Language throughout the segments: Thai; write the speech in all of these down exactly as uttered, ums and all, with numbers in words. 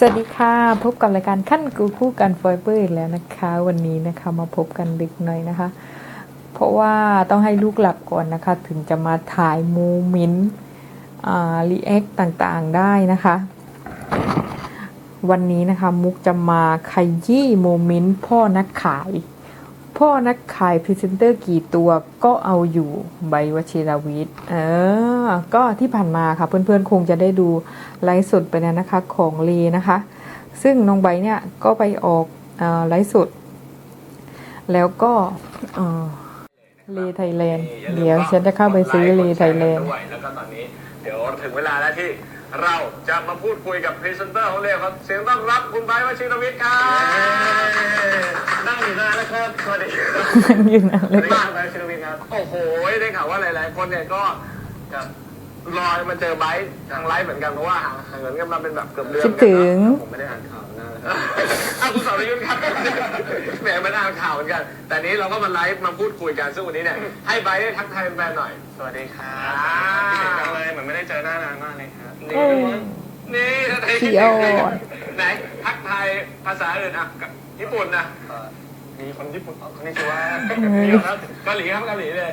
วัสดีค่ะพบกับรายการขั้นกูคู่กันฟอยเบอร์อีกแล้วนะคะวันนี้นะคะมาพบกันดึกหน่อยนะคะเพราะว่าต้องให้ลูกหลับก่อนนะคะถึงจะมาถ่ายโมเมนต์อ่ารีแอคต่างๆได้นะคะวันนี้นะคะมุกจะมาขยี้โมเมนต์พ่อนักขายพ่อนักขายพรีเซนเตอร์กี่ตัวก็เอาอยู่ใบวชิรวิทย์เออก็ที่ผ่านมาค่ะเพื่อนๆคงจะได้ดูไลฟ์สดไปแล้วนะคะของเลนะคะซึ่งน้องใบเนี่ยก็ไปออกไลฟ์สดแล้วก็เลไทยแลนด์เดี๋ยวฉันจะเข้าไปซื้อเลไทยแลนด์แล้วก็ตอนนี้เดี๋ยวถึงเวลาแล้วที่เราจะมาพูดคุยกับพรีเซนเตอร์ของเลครับเสียงต้อนรับคุณไบร์ทวชิรวิทย์ครับนั่งอยู่นานแล้วครับสวัสดีนั่งอยู่นานเลยบ้านไบร์ทวชิรวิทย์ครับโอ้โหได้ข่าวว่าหลายๆคนเนี่ยก็รอมาเจอไบร์ททางไลฟ์เหมือนกันเพราะว่าห่างเหินกันมาเป็นแบบเกือบเดือนคิดถึงผมไม่ได้อ่านข่าวนะอ้าวคุณสรยุทธ์ครับแหมไม่ได้อ่านข่าวเหมือนกันแต่นี้เราก็มาไลฟ์มาพูดคุยกันซึ่งวันนี้เนี่ยให้ไบร์ทได้ทักทายแฟนๆหน่อยสวัสดีครับคิดถึงจังเลยเหมือนไม่ได้เจอหน้านานมากเลยครับนี่นี่ทักทายคิดถึงไหนทักทายภาษาอื่นอ่ะญี่ปุ่นนะมีคนญี่ปุ่นคนนี้ชื่อว่ามีครับเกาหลีครับเกาหลีเลย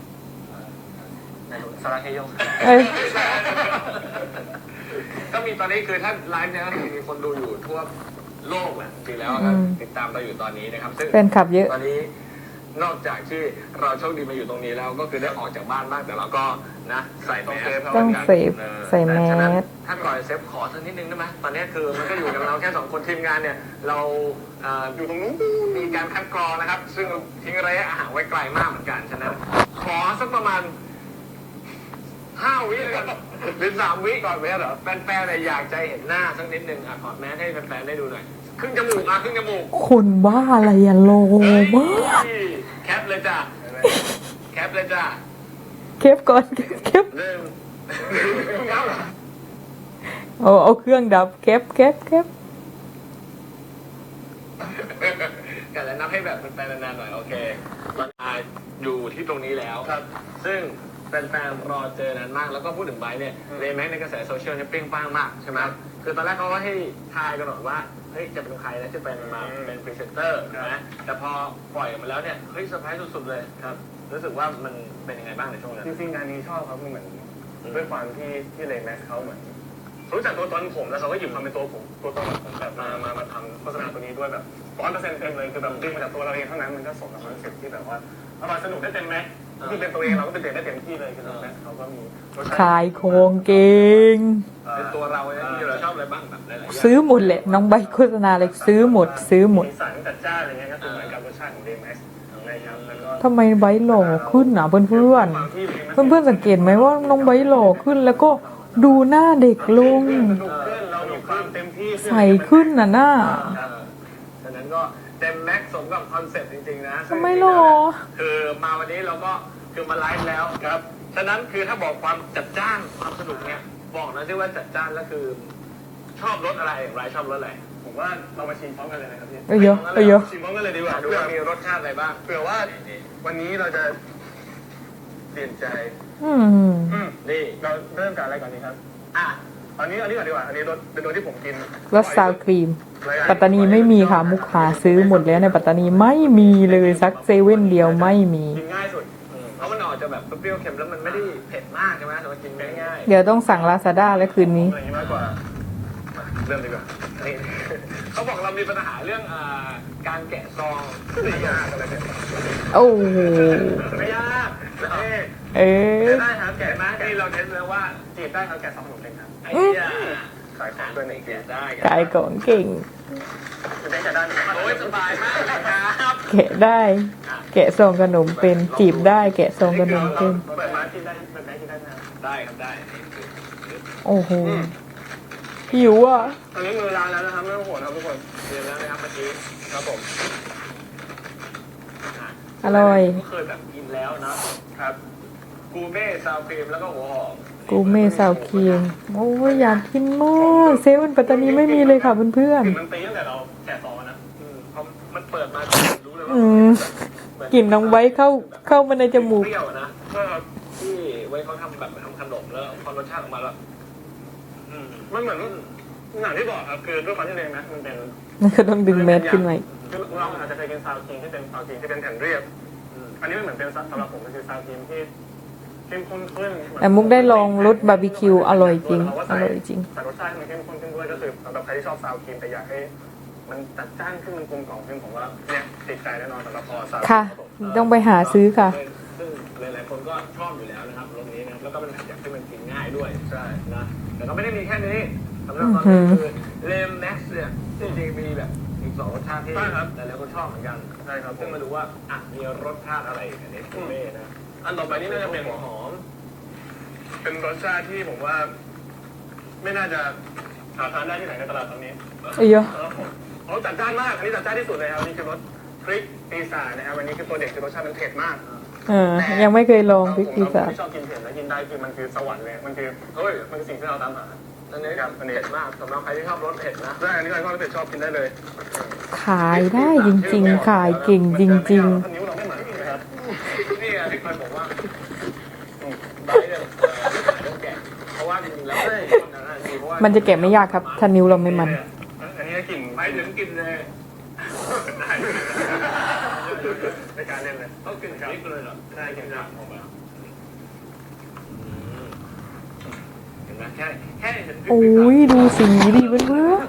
สาราเฮโยก็มีตอนนี้คือถ้าไลฟ์เนี่ยก็มีคนดูอยู่ทั่วโลกแหละจริงแล้วครับติดตามเราอยู่ตอนนี้นะครับซึ่งแฟนคลับเยอะตอนนี้นอกจากที่เราโชคดีมาอยู่ตรงนี้แล้วก็คือได้ออกจากบ้านบ้างแต่เราก็นะใส่แมสต้องเซฟใส่แมสถ้าก่อนเซฟขอสักนิดนึงได้ไหมตอนนี้คือมันก็อยู่กับเราแค่สองคนทีมงานเนี่ยเราอยู่ตรงนู้นมีการคัดกรองนะครับซึ่งทิ้งระยะห่างไว้ไกลมากเหมือนกันฉะนั้นขอสักประมาณห้าวิเลยกันหรือสามวิก่อนไหมเหรอแฟนๆเนี่ยอยากใจเห็นหน้าสักนิดนึงอ่ะถอดแมสให้แฟนๆได้ดูหน่อยครึ่งจมูกอ่ะครึ่งจมูกคนบ้าอะไรอะโลมากแคปเลยจ้ะแคปเลยจ้ะแคปก่อนแคปหนึ่งเอาเอาเครื่องดับแคปแคปแคปกันแล้วนับให้แบบแฟนๆนานๆหน่อยโอเคตอนนี้อยู่ที่ตรงนี้แล้วครับซึ่งแฟนๆรอเจอนานมากแล้วก็พูดถึงไบร์ทเนี่ยเลยแม้ในกระแสโซเชียลเนี่ยเปรี้ยงป้างมากใช่ไหมคือตอนแรกเขาก็ให้ทายกันหรอกว่าเฮ้ยจะเป็นใครนะจะเป็นมาเป็นพรีเซนเตอร์นะแต่พอปล่อยออกมาแล้วเนี่ยเฮ้ยเซอร์ไพรส์สุดๆเลยครับรู้สึกว่ามันเป็นยังไงบ้างในช่วงนั้นจริงๆงานนี้ชอบครับมันเหมือนด้วยความที่ที่เลแม็กเขาเหมือนรู้จักตัวตนผมแล้วเขาก็หยิบความเป็นตัวผมตัวตนผมแบบมามามาทำโฆษณาตัวนี้ด้วยแบบร้อยเปอร์เซ็นต์เต็มเลยคือแบบดึงมาจากตัวเราเองเท่านั้นมันก็สมกับคอนเซ็ปต์ที่แบบว่าอร่อยสนุกได้เต็มแม็กที่เป็นตัวเองเราก็เป็นเด็กได้เต็มที่เลยคือแม็กเขาก็มีขายของเก่งเป็นตัวเราเนี่ยที่เราชอบอะไรบ้างแบบหลายๆอย่างซื้อหมดแหละน้องใบโฆษณาเลยซื้อหมดซื้อหมดสารจัดจ้านอะไรเงี้ยก็คือเหมือนกับรสชาติของเลแม็กนะครับแล้วก็ทำไมใบหล่อขึ้นอ่ะเพื่อนเพื่อนเพื่อนเพื่อนสังเกตไหมว่าน้องใบหล่อขึ้นแล้วก็ดูหน้าเด็กลงใสขึ้นน่ะหน้าฉะนั้นก็เต็มแม็กสมกับคอนเซ็ปต์จริงๆนะทำไมหล่อคือมาวันนี้เราก็คือมาไลฟ์แล้วครับฉะนั้นคือถ้าบอกความจัดจ้านความสนุกเนี่ยบอกนะที่ว่าจัดจ้านแล้วคือชอบรสอะไรอย่างไรชอบรสอะไรผมว่าเรามาชิมพร้อมกันเลยนะครับพี่เออเยอะเออเยอะชิมพร้อมกันเลยดีกว่าดูว่ามีรสชาติอะไรบ้างเผื่อว่าวันนี้เราจะเปลี่ยนใจอืมนี่เราเริ่มจากอะไรก่อนดีครับอ่ะอันนี้อันนี้ก่อนดีกว่าอันนี้รสเป็นรสที่ผมกินรสซาวครีมปัตตานีไม่มีค่ะมุกหาซื้อหมดแล้วในปัตตานีไม่มีเลยสักเซเว่นเดียวไม่มีกินง่ายสุดเพราะมันออกจะแบบเปรี้ยวเค็มแล้วมันไม่ได้เผ็ดมากใช่ไหมแต่ว่ากินง่ายเดี๋ยวต้องสั่งลาซาด้าแล้วคืนนี้มากกว่าเริ่มดีกว่าเขาบอกเรามีปัญหาเรื่องการแกะซองไม่ยากอะไรเนี่ยโอ้ไม่ยากเอ๊ะได้ครับแกะมาที่เราเทสแล้วว่าจีบได้ครับแกะสองหนุ่มเลยครับไอ้เนี่ยขายของด้วยในแกะได้ขายของเก่งได้แกะได้โอ้ยสบายมากครับแกะได้แกะซองขนมเป็นจีบได้แกะซองขนมเป็นเปิดมาที่ได้เปิดได้ที่ได้นะได้ครับได้โอ้โหหิวอ่ะตอนนี้มือล้างแล้วนะครับไม่ต้องห่วงครับทุกคนเรียนแล้วนะครับเมื่อกี้ครับผมอร่อยก็เคยแบบกินแล้วนะครับกูเม่ซาวครีมแล้วก็หัวหอมกูเม่ซาวครีมโอ้ยอยากกินมากเซเว่นปัตตานีไม่มีเลยค่ะเพื่อนๆมันตีตั้งแต่เราแกะซองนะพอมันเปิดมารู้เลยว่ากลิ่นน้องไว้เข้าเข้ามาในจมูกเปรี้ยวนะที่ไว้เขาทำแบบทำขนมแล้วพอรสชาติออกมาแล้วมันเหมือนอย่างที่บอกครับคือด้วยความที่เลแม็กมันเป็นนั่นก็ต้องดึงแมสขึ้นมาอีกคือเราอาจจะเคยกินซาวคิงที่เป็นซาวคิงที่เป็นแผ่นเรียบอันนี้มันเหมือนเป็นสำหรับผมมันคือซาวคิงที่เข้มข้นขึ้นแต่มุกได้ลองรสบาร์บีคิวอร่อยจริงอร่อยจริงแต่รสชาติมันเข้มข้นขึ้นด้วยก็คือสำหรับใครที่ชอบซาวคิงแต่อยากให้มันจัดจ้านขึ้นมันกลมกล่อมขึ้นผมว่าเนี่ยติดใจแน่นอนสำหรับพอซาวค่ะ ต้องไปหาซื้อค่ะซึ่งหลายๆคนก็ชอบอยู่แล้วนะครับรสนี้นะแล้วก็เป็นอาหารที่มันกินง่ายด้วยใช่นะแต่ก็ไม่ได้มีแค่นี้สำหรับตอนนี้คือเลมแม็กซ์เนี่ยจริงๆมีแบบอีกสองรสชาติที่หลายๆคนชอบเหมือนกันใช่ครับซึ่งมาดูว่าอ่ะมีรสชาติอะไรอันนี้คุณเม่นะอันต่อไปนี่น่าจะเป็นหัวหอมเป็นรสชาติที่ผมว่า ไม่น่าจะหาทานได้ที่ไหนในตลาดตอนนี้เอ้ยอะเขาจัดจ้านมาก อันนี้จัดจ้านที่สุดเลยครับนี่คือรสพริกปีศาจนะครับวันนี้คือตัวเด็กคือรสชาติมันเผ็ดมากเออยังไม่เคยลองพริกปีศาจไม่ชอบกินเผ็ดแล้วกินได้คือมันคือสวรรค์เลยมันคือเฮ้ยมันคือสิ่งที่เราตามหาอันนี้ครับอันนี้เผ็ดมากสำหรับใครที่ชอบรสเผ็ดนะใช่อันนี้ใครชอบเผ็ดชอบกินได้เลยขายได้จริงๆ ขายเก่งจริงนิ้วเราไม่เหมือนกันนะครับนี่ไงที่เคยบอกว่าใบเนี่ยต้องแกะเพราะว่าจริงๆแล้วไม่เพราะว่าๆ มันจะแกะไม่ยากครับ ถ้านิ้วเราไม่มันอันนี้กลิ่นไปถึงกินเลยได้ในการเล่นเลยต้องกินพริกเลยเหรอได้กลิ่นครับออกมาเห็นไหมแค่แค่เห็นพริกโอ้ยดูสีดิเพื่อน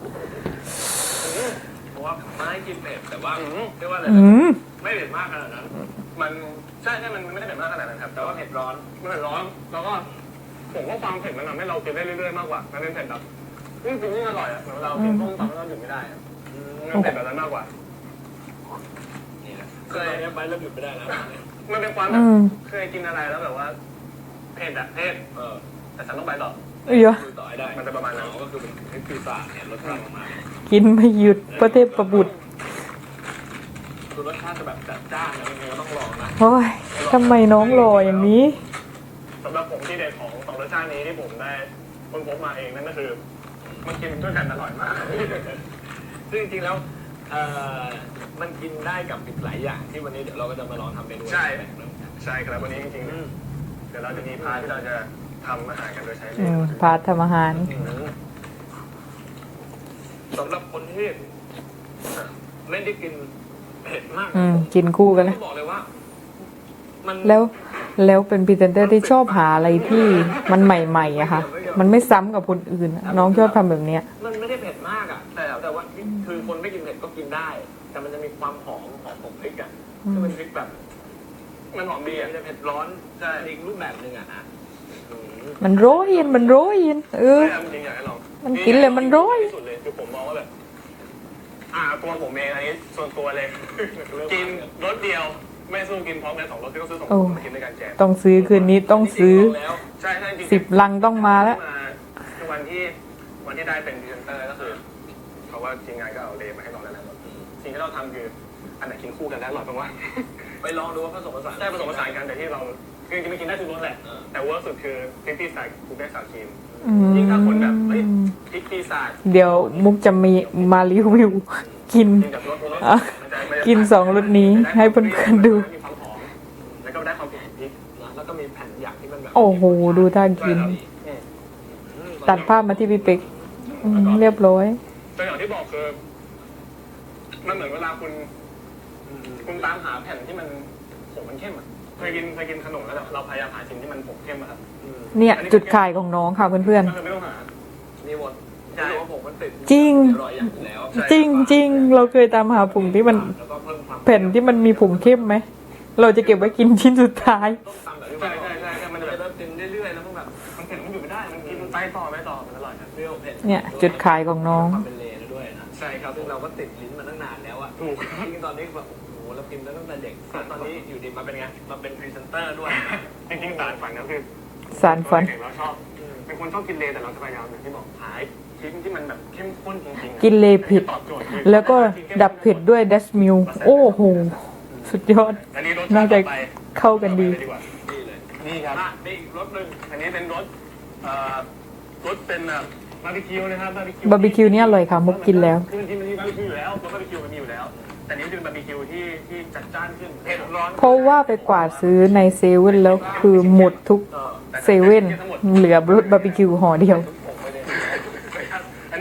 เพราะว่าไม่กินเผ็ดแต่ว่าเรียกว่าอะไรๆอืมไม่เผ็ดมากขนาดนั้นมันใช่ใช่มันไม่ได้เผ็ดมากขนาดนั้นครับแต่ว่าเผ็ดร้อนมันเผ็ดร้อนแล้วก็ผมว่าความเผ็ดมันทำให้เรากินได้เรื่อยๆมากกว่ามันเป็นเผ็ดแบบยิ่งกินยิ่งอร่อยอ่ะเหมือนเรากินต้มตำแล้วเราหยุดไม่ได้อะมันเผ็ดแบบนั้นมากกว่านี่นะเคยไปแล้วหยุดไม่ได้แล้วมันเป็นความแบอืบมเคยกินอะไรแล้วแบบว่าเผ็ดอะเผ็ดเออแต่ฉันต้องไปต่อเอ้ยอะคุยต่อให้ได้มันจะประมาณนั้นก็คือเป็นพริกปีศาจเนี่ยรสชาติออกมากินไม่หยุดประเทศประบุตรคือรสชาติจะแบบจัดจ้านนะจริงๆก็ต้องลองนะโอ้ยทำไมน้องหล่ออย่างนี้สำหรับผมที่เด็ดของสองรสชาตินี้ที่ผมได้ค้นพบมาเองนั่นก็คือ มันกินด้วยกันอร่อยมากซึ่งจริงๆแล้วเอ่อมันกินได้กับอีกหลายอย่างที่วันนี้เดี๋ยวเราก็จะมาลองทำเมนูใช่ใช่ครับวันนี้จริงอืมๆเดี๋ยวเราจะมีพาร์ทที่เราจะทำอาหารกันโดยใช้อืมพาร์ททำอาหารสำหรับคนที่ไม่ได้กินเผ็ดมากอืมกินคู่กันต้นะองบอกเลยว่า มันแล้วแล้วเป็นพรีเซนเตอร์ที่ชอบหาอะไรที่มันใหม่ๆอะค่ะ มันไม่ซ้ำกับคนอื่นอะน้องชอบทำแบบเนี้ยมันไม่ได้เผ็ดมากอ่ะ แต่แต่ว่าคือคนไม่กินเผ็ดก็กินได้ แต่มันจะมีความหอมหอมของพริกอ่ะซึ่งเป็นพริกแบบมันหอมดีเบียอ่ะร์จะเผ็ดร้อนใช่อีกรูปแบบหนึ่งอ่ะอ่ะอืมมันโรยเย็นมันโรยเย็นเออจริงๆอยากให้ลองมันกินเลยมันโรยที่สุดเลยคือผมมองว่าแบบ อ่าตัวผมเองอันนี้ส่วนตัวเลย กินรสเดียวไม่สู้กินพร้อมกันสองรสที่ต้องซื้อสองรโอ้สมากินด้วยกันแจกต้องซื้อคืนนี้ต้องซื้อแล้วใช่ใช่จริงๆสิบลังต้องมาแล้วคือวันที่วันที่ได้เป็นพรีเซนเตอร์ก็คือเพราะว่าทีมงานก็เอาเลมาให้ลองแล้วนะสิ่งที่เราทำคืออันไหนกินคู่กันแล้วอร่อยบ้างวะไปลองดูว่าผสมผสานใช่ผสมผสานกันแต่ที่เราคือจริงๆไม่กินได้ทุกรสแหละเออแต่เวิร์กสุดคือพริกปีศาจคูเป้สาวครีมอืมยิ่งถ้าคนแบบเฮ้ยพริกปีศาจเดี๋ยวมุกจะมีมารีวิว กินกินกับรสรสอ่ะมันจะมันจะกินสองรสนี้ให้เพื่อนๆดูมีความหอมแล้วก็ได้ความเผ็ดของพริกนะแล้วก็มีแผ่นหยักที่มันแบบโอ้โห ดูท่ากินอืมตัดภาพมาที่พี่เป็กอืมเรียบร้อยแต่อย่างที่บอกคือมันเหมือนเวลาคุณ คุณตามหาแผ่นที่มันผมมันเข้มอ่ะเคยกินเคยกินขนมแล้วแบบเราพยายามหาสิ่งที่มันผมเข้มอะครับอืมเนี่ยจุดขายของน้องค่ะเพื่อนก็คือไม่ต้องหานี่หมดใช่ว่าผมมันติดจริงอร่อยอย่างอยู่แล้วๆ จริงจริงๆ เราเคยตามหาผงที่มันแล้วก็เพิ่มความแผ่นที่มันมีผงเข้มไหม เราจะเก็บไว้กินชิ้นสุดท้ายต้มตำแบบที่ใช่ว่าใช่ใช่ใช่มันจะจะแบบเริ่มกินเรื่อยๆแล้วมันแบบมันเผ็ดมันอยู่ไม่ได้ มันกินไปต่อไปต่อมันอร่อยครับเปรี้ยวเผ็ดเนี่ยจุดขายของน้องความเป็นเลนด้วยนะใช่ครับซึ่งเราก็ติดลิ้นมาตั้งนานแล้วอะถูกจริงๆตอนนี้แบบโอ้โหเรากินมาตั้งแต่เด็กแต่ตอนนี้อยู่ดีมาเป็นไงมาเป็นพรีเซนเตอร์ด้วยจริงๆสารฝันก็คือสารฝันเด็กเราชอบ เป็นคนชอบกินเลแต่เราจะพยายามอย่างที่บอกหาชิ้นที่มันแบบเข้มข้นจริงๆกินเลเผ็ดตอบโจทย์คือแล้วก็ดับเผ็ดด้วยดัชมิลโอ้โห สุดยอดอันนี้รสชาน่าติจะต่อไปเข้ากันดีต่อไปเลยว่านี่เลยนี่ครับอ่ะนี่อีกรสหนึ่งอันนี้เป็นรสเอ่อรสเป็นแบบบาร์บีคิวนะครับบาร์บีคิวบาร์บีคิวนี่อร่อยค่ะมุกกินแล้วคือจริงๆมันมีบาร์บีคิวอยู่แล้วรสบาร์บีคิวมันมีอยู่แล้ว แต่นี่เป็นบาร์บีคิวที่ที่จัดจ้านขึ้นเผ็ดร้อนเพราะว่าไปกวาดซื้อในเซเว่นแล้วคือหมดทุกเออเซเว่นเหลือรสบาร์บีคิวห่อเดียวผมไม่ได้อันนี้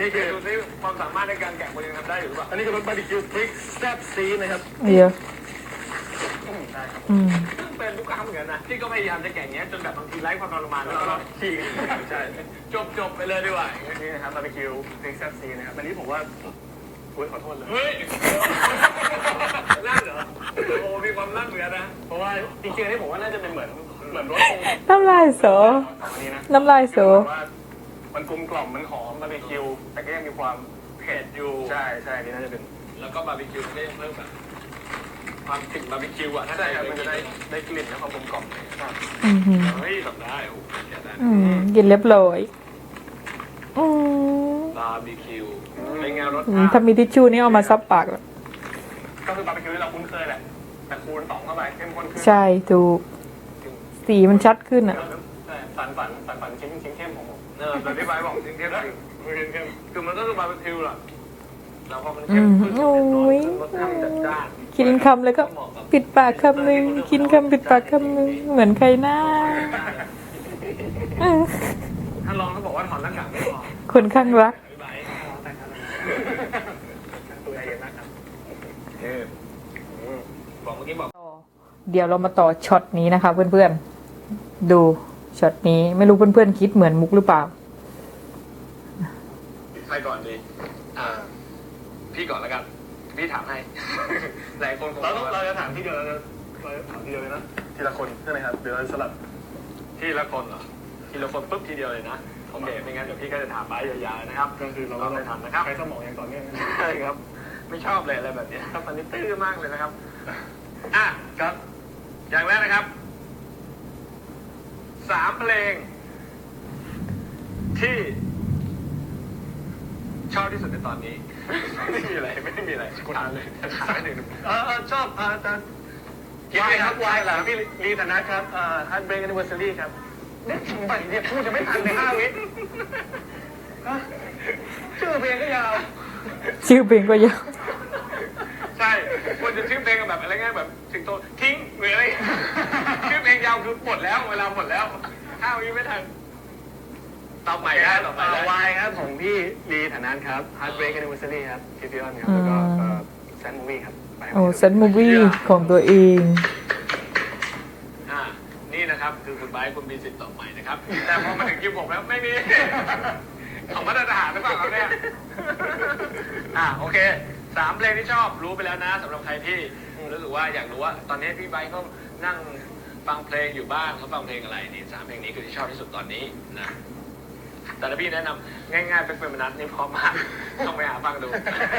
นี้คือดูซิความสามารถในการแกะมันยังทำได้อยู่หรือเปล่าอันนี้คือรสบาร์บีคิวพริกแซ่บซีดนะครับเดี๋ยวได้ครับอืมซึ่งเป็นลูกค้าเหมือนกันนะที่ก็พยายามจะแกะอย่างเงี้ยจนแบบบางทีไร้ความทรมานแล้วก็ฉีกใช่จบจบไปเลยดีกว่าอันนี้นะครับบาร์บีคิวพริกแซ่บซีดนะครับอันนี้ผมว่าโอ้ยขอโทษเลยเฮ้ยลั่นเหรอโอ้มีความลั่นเหมือนกันนะเพราะว่าจริงๆอันนี้ผมว่าน่าจะเป็นเหมือนเหมือนรสคงน้ำลายโสอันนี้นะน้ำลายโสคือว่ามันกลมกล่อมมันหอมบาร์บีคิวแต่ก็ยังมีความเผ็ดอยู่ใช่ใช่อันนี้น่าจะเป็นแล้วก็บาร์บีคิวมันก็ยังเพิ่มแบบความกลิ่นบาร์บีคิวอ่ะถ้าใช่ใส่ครับไปมันจะจะได้ได้ได้กลิ่นและความกลมกล่อมครับอือหือเฮ้ยแบบได้โอ้โหแกะได้อืมกินเรียบร้อยอืมบาร์บีคิวเป็นไงรสอืมชาติถ้ามีทิชชู่นี่เอามาซับปากแล้วก็คือบาร์บีคิวที่เราคุ้นเคยแหละแต่คูณสองเข้าไปเข้มข้นขึ้นใช่ถูก สีมันชัดขึ้นอ่ะใช่ฝันฝันฝันฝันชิ้นชิ้นเข้มของผมเออแต่ที่ไบร์ทบอกจริงๆเข้มจริงเข้มเข้มคือมันก็คือบาร์บีคิวแหละแล้วพอมันอืเข้มมขึ้นโอ้ยรสชาติจัดจ้านกินคำแล้วก็ปิดปากคำหนึ่งกินคำปิดปากคำหนึ่งเหมือนใครหน้าอืมถ้าลองเขาบอกว่าถอนหน้ากากไม่พอคนข้างรักพี่ไบร์ทตัวใหญ่นะครับเออบอกเมื่อกี้บอกเดี๋ยวเรามาต่อช็อตนี้นะคะ เพื่อนๆ ดูช็อตนี้ไม่รู้เพื่อนๆคิดเหมือนมุกหรือเปล่าใครก่อนดีอ่าพี่ก่อนแล้วกันพี่ถามให้ หลายคนคงเราต้องเราจะถามที่เดียวเราจะเราจะถามทีเดียวเลยนะทีละคนใช่ไหมครับเดี๋ยวเราสลับทีละคนเหรอทีละคนปุ๊บทีเดียวเลยนะโอเคไม่งั้นเดี๋ยวพี่ก็จะถามไบร์ทยาวๆนะครับก็คือเราเราก็ไปทำนะครับใช้สมองอย่างต่อเนื่องใช่ครับ ไม่ชอบเลยอะไรแบบเนี้ยครับตอนนี้ตื้อมากเลยนะครับ อ่ะครับ อย่างแรกนะครับสามเพลง ที่ชอบที่สุดในตอนนี้ ไม่มีอะไรไม่ได้มีอะไรคุณอ่านเลยถามหนึ่งเออเออชอบอ่าแต่วายครับวายเหรอพี่ลีธนัทครับอ่าฮันเบรกแอนนิเวอร์ซารีครับเนี่ยทำไมเนี่ยพูดจะไม่ทันในห้าวิฮะชื่อเพลงก็ยาวชื่อเพลงก็ยาวใช่ควรจะชื่อเพลงแบบอะไรเงี้ยแบบสิงโตทิ้งหรืออะไร ชื่อเพลงยาวคือหมดแล้วเวลาหมดแล้วห้าวิไม่ทันตอบใหม่ได้ตอบใหม่ได้วายครับของพี่ลีธนัทครับฮันเบรกแอนนิเวอร์ซารีครับคิฟิออนครับแล้วก็แซนมูวี่ครับโอ้เซนมูวี่ของตัวเองอ่านี่นะครับคือคุณไบร์ทคุณมีสิทธิ์ตอบใหม่นะครับ แต่พอมาถึงคิวผมแล้วไม่มี ของมาตรฐานหรือเปล่าครับเนี่ย อ่าโอเคสามเพลงที่ชอบรู้ไปแล้วนะสำหรับใครที่รู้สึกว่าอยากรู้ว่า ตอนนี้พี่ไบร์ทเขานั่งฟังเพลงอยู่บ้านเขาฟังเพลงอะไรนี่สามเพลงนี้คือที่ชอบที่สุดตอนนี้นะแต่ถ้าพี่แนะนำง่ายๆเป็นเฟรมนัทนี่พร้อมมากต้องไปหาฟังดู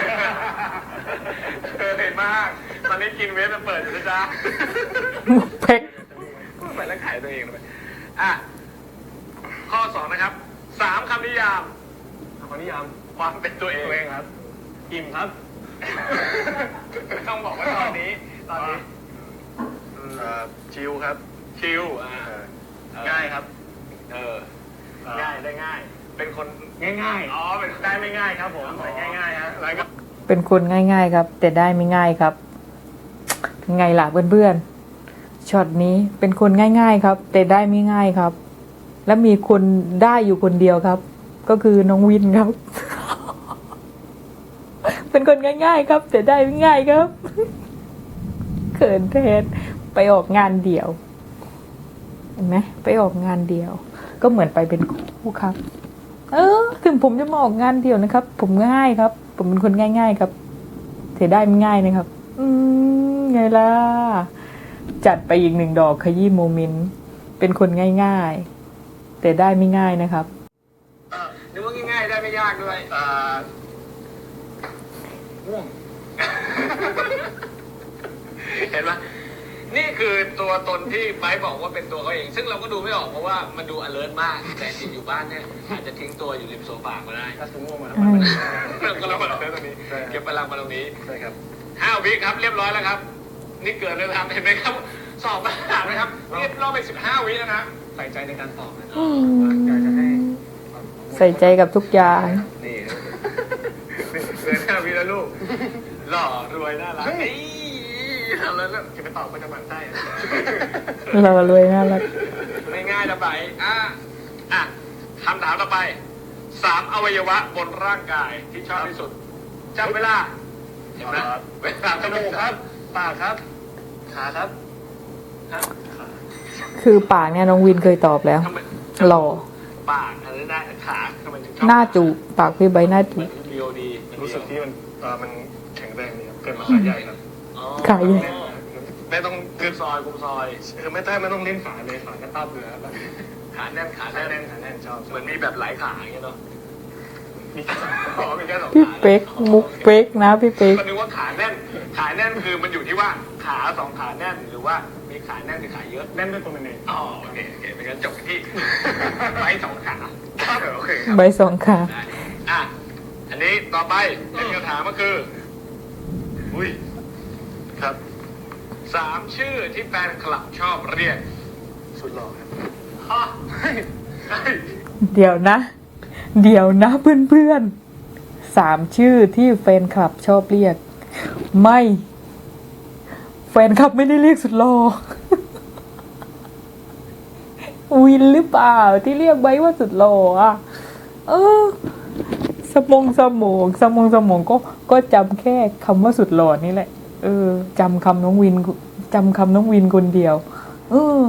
เคยเห็นมากตอนนี้กินเวฟมาเปิดอยู่นะจ๊ะมุกเพ็กพูดไปแล้วขายตัวเองเลยอ่ะข้อสองนะครับสามคำนิยามขอนิยามความเป็นตัวเองตัวเองครับอิ่มครับไม่ต้องบอกว่าตอนนี้ ตอนนี้เอ่อชิลครับชิลอ่าเอ่อเออง่ายครับเออเอ่อง่ายได้ง่าย เป็นคนง่ายอ๋อเป็นๆได้ไม่ง่ายครับผมใส่ง่ายๆฮะแล้วก็เป็นคนง่ายๆครับ แต่ได้ไม่ง่ายครับไงล่ะเพื่อนๆช็อตนี้เป็นคนง่ายๆครับ แต่ได้ไม่ง่ายครับ และมีคนได้อยู่คนเดียวครับ ก็คือน้องวินครับ เป็นคนง่ายๆครับ แต่ได้ไม่ง่ายครับ เขินแทนไปออกงานเดี่ยวเห็นไหมไปออกงานเดี่ยว ก็เหมือนไปเป็นคู่ครับ เออ ถึงผมจะมาออกงานเดี่ยวนะครับ ผมง่ายครับ ผมเป็นคนง่าย ๆ ครับแต่ได้ไม่ง่ายนะครับ อืมไงล่ะจัดไปอีกหนึ่งดอกขยี้โมเมนต์เป็นคนง่ายๆแต่ได้ไม่ง่ายนะครับเออนึกว่าง่ายๆได้ไม่ยากด้วยเอ่อง่วงเห็นไหมนี่คือตัวตนที่ไบร์ทบอกว่าเป็นตัวเขาเอง ซึ่งเราก็ดูไม่ออกเพราะว่ามันดู alert มาก แต่จริงอยู่บ้านเนี่ยอาจจะทิ้งตัวอยู่ริมโซฟาก็ได้ถ้าสมง่วงมาแล้วอืมเราก็เรามาตรงนี้ใช่เก็บพลังมาตรงนี้ใช่ครับห้าวิครับเรียบร้อยแล้วครับ นี่เกิดเลยครับเห็นไหมครับ สอบมาถามนะครับนี่รอบไปสิบห้าวิแล้วนะใส่ใจในการตอบนะอืมอยากจะให้ใส่ใจกับทุกอย่างนี่เหลือห้าวิแล้วลูก หล่อรวยน่ารักเฮ้ยทำแล้วแล้วจะไปตอบก็จะหมั่นไส้อะเรารวยน่ารักไม่ง่ายนะไปอ่ะอ่ะคำถามต่อไปสามอวัยวะบนร่างกายที่ชอบที่สุดจับเวลาเห็นไหมเวลาจมูกครับปากครับขาครับฮะขาคือปากเนี่ยน้องวินเคยตอบแล้วทำไมหล่อปากอะไรได้ขาทำไมถึงชอบหน้าจูบปากพี่ใบหน้าจูบเรียวดีรู้สึกที่มันเอ่อมันแข็งแรงดีครับเกิดมาขาใหญ่ครับอ๋อขาใหญ่ไม่ต้องกุคือมซอยกุมซอยคือไม่ต้องไม่ต้องเล่นขาเลยขาก็ตับเลยครับขาแน่นขาขาแน่แน่นนขาแน่นชอบเหมือนมีแบบหลายขาอย่างเงี้ยเนาะมีแค่สองอ๋อมีแค่สองพี่ขาเป๊กมุกเป๊กนะพี่เป๊กก็นึกว่าขาแน่น ขาแน่นคือมันอยู่ที่ว่าขาสองขาแน่นหรือว่ามีขาแน่นหรือขาเยอะแน่นด้วยตัวมันเองอ๋อโอเคโอเคเป็นการจบกันที่ ไม้สองขาครับโอเคครับใบสองขาได้อ่ะอันนี้ต่อไปเป็นคำถามก็คืออุ้ยครับสามชื่อที่แฟนคลับชอบเรียกสุดหล่อครับฮะเฮ้ยเฮ้ยเดี๋ยวนะ เดี๋ยวนะเพื่อนๆสามชื่อที่แฟนคลับชอบเรียก ไม่ แฟนคลับไม่ได้เรียกสุดหล่อ วินหรือเปล่าที่เรียกไว้ว่าสุดหล่ออ่ะ เออ สมองสมองสมองสมองก็ก็จำแค่คำว่าสุดหล่อนี่แหละ เออจำคำน้องวินจำคำน้องวินคนเดียว เออ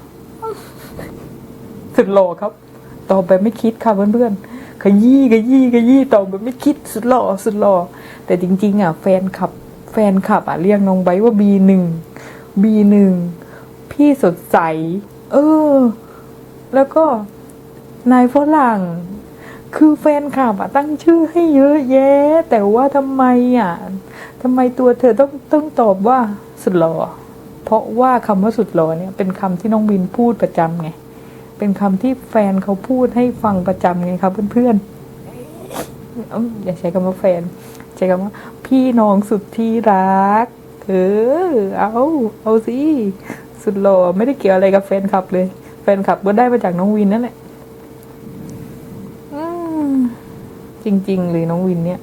สุดหล่อครับ ตอบแบบไม่คิดค่ะเพื่อนๆขยี้ขยี้ขยี้ตอบแบบไม่คิดสุดหล่อสุดหล่อแต่จริงๆอ่ะแฟนคลับ แฟนคลับอ่ะเรียกน้องไบร์ทว่าบีหนึ่งบีหนึ่งพี่สดใส เออ แล้วก็นายฝรั่ง คือแฟนคลับอ่ะตั้งชื่อให้เยอะแยะ แต่ว่าทำไมอ่ะทำไมตัวเธอต้องต้องตอบว่าสุดหล่อเพราะว่าคำว่าสุดหล่อเนี่ยเป็นคำที่น้องวินพูดประจำไงเป็นคำที่แฟนเขาพูดให้ฟังประจำไงครับเพื่อนๆเอ้าอย่าใช้คำว่าแฟน ใช้คำว่าพี่น้องสุดที่รักเออเอาเอาสิสุดหล่อไม่ได้เกี่ยวอะไรกับแฟนคลับเลย แฟนคลับก็ได้มาจากน้องวินนั่นแหละอืมจริงๆเลยน้องวินเนี่ย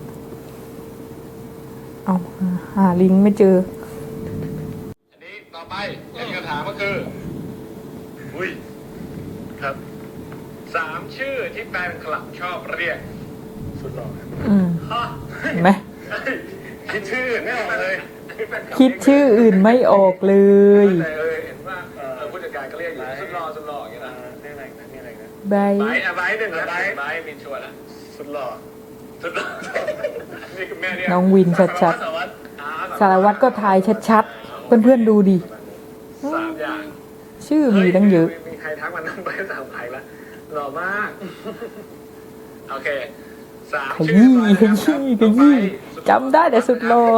เอาหาหาลิงก์ไม่เจออันนี้ต่อไปเป็นคำถามก็คืออุ้ยครับสามชื่อที่แฟนคลับชอบเรียกสุดหล่อครับอืมฮะเห็นไหมคิดชื่อไม่ออกเลยคิดชื่ออื่นไม่ออกเลยแต่เออเห็นว่าเออผู้จัดการก็เรียกอยู่สุดหล่อสุดหล่ออย่างเงี้ยเอ่นะอนี่อะไรนะนี่อะไรนะใบไบร์ทอะไบร์ทหนึ่งนะไบร์ทไบร์ทมินชวนอะสุดหล่อสุดหล่อนี่คือแม่เรียกน้องวินชัดสารวัตรอ่ๆสารวัตรก็ทายชัดๆ เพื่อนๆดูดิสามอย่างชื่อมีตั้งเยอะฮ้มีใครทักมานั่งไปสามใครละหล่อมากโอเคสามขชื่อยี้ขยี้ขยี้จำได้แต่สุดหล่อ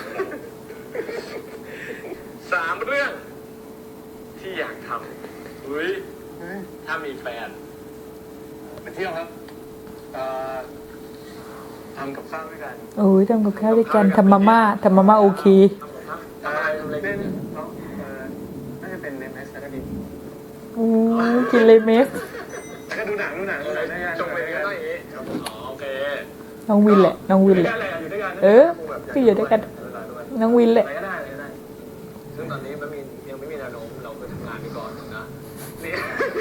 สามเรื่อง ที่อยากทำอุ้ยถ้ามีแฟนไปเที่ยวครับเอ่อทำกับข้าวด้วยกันโอ้ยทำกับข้าวด้วยกันทำมาม่าทำมาม่าโอเคทำอะไรทำอะไรเล่กันนเนาะเอ่อน่าจะเป็นเล่นแมสก็ดีอู้กินเลยเมสแล้วก็ดูหนังดูหนังดูหนังด้วยกันจงเป็นก็ต้องอย่างนี้อ๋อโอเคน้องวินแหละ น้องวินแหละอยู่ด้วยกันเออก็อยู่ด้วยกัน น้องวินแหละอะไรก็ได้อะไรก็ได้ซึ่งตอนนี้มันมียังไม่มีแนวโน้มเราไปทำงานไปก่อนนะนี่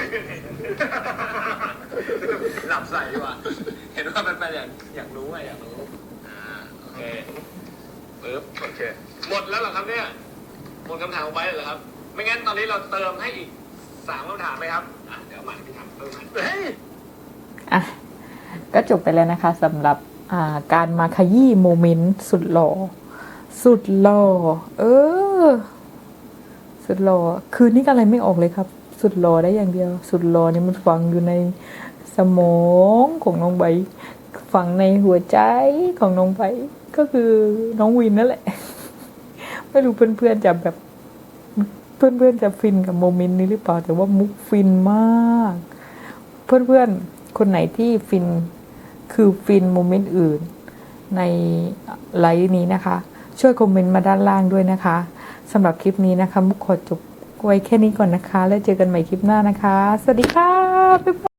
หลับใส่ดีกว่าเห็นว่ามันเป็นอย่างอยากรู้อะอยากรู้อ่าโอเคปึ๊บโอเคหมดแล้วเหรอครับเนี่ยหมดคำถามไปเลยเหรอครับ ไม่งั้นตอนนี้เราเติมให้อีกสามคำถามไหมครับอ่ะเดี๋ยวมาพี่ถามเพิ่มให้เฮ้ยอ่ะ ก็จบไปแล้วนะคะสำหรับอ่าการมาขยี้โมเมนต์สุดหล่อ สุดหล่อ เออ สุดหล่อ คืนนี้ก็อะไรไม่ออกเลยครับ สุดหล่อได้อย่างเดียว สุดหล่อนี่มันฝังอยู่ในสมองของน้องใบ ฝังในหัวใจของน้องใบ ก็คือน้องวินนั่นแหละ ไม่รู้เพื่อนๆจะแบบ เพื่อนๆจะฟินกับโมเมนต์นี้หรือเปล่า แต่ว่ามุกฟินมาก เพื่อนๆ คนไหนที่ฟิน คือฟินโมเมนต์อื่น ในไลฟ์นี้นะคะ ช่วยคอมเมนต์มาด้านล่างด้วยนะคะสำหรับคลิปนี้นะคะมุกขอจบไว้แค่นี้ก่อนนะคะ แล้วเจอกันใหม่คลิปหน้านะคะ สวัสดีค่ะบ๊ายบาย